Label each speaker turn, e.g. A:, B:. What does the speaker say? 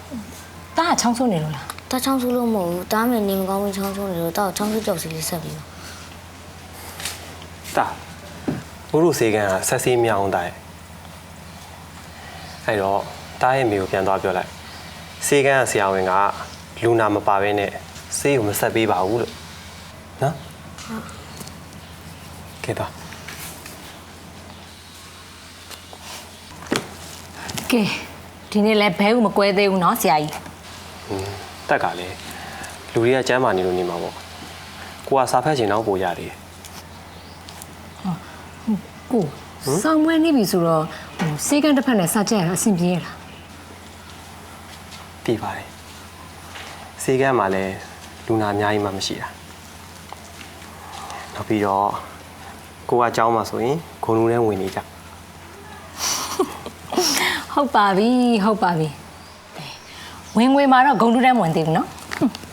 A: တားချောင်းဆိုးနေလို့လား
B: တာချောင်းဆိုးလို့မဟုတ်ဘူးတားမယ်နေမကောင်းဘူးချောင်းဆိုးနေလို့တားချောင်းဆိုးကြောက်စီလေးဆက်ပြီး
C: တာဘိုးတို့စေကန်ကဆက်စီးမြောင်းတာရဲ့အဲ့တော့တားရဲ့မိကိုပြန်သွားပြောလိုက်စေကန်ကဆရာဝန်ကလူနာမပါဘဲနဲ့ဆေးကိုမဆက်ပေးပါဘူးလို့နော်ကဲတော့
A: ကဲဒီနေ့လည်းဘဲဦးမကွဲသေးဘူးเนาะဆရာကြီး
C: တက်ကလည်းလူတွေကကျမ်းမာနေလို့နေမှာပေါ့ကိုကစာဖတ်ချင်တော့ပို့ရတယ်
A: ကိုစောင်းမွေးနေပြီဆိုတော့စေကန်တစ်ဖက်နဲ့စကြက်ရအဆင်ပြေရလား
C: တည်ပါတယ်စေကန်မှာလည်းလူနာအများကြီးမှမရှိတာနောက်ပြီးတော့ကိုကအเจ้าမှာဆိုရင်ဂုံလူထဲဝင်နေကြ
A: ဟုတ်ပါပြီဝင်ငွေမှာတော့ဂုံတူးတန်းမဝင်သေးဘူးเนาะ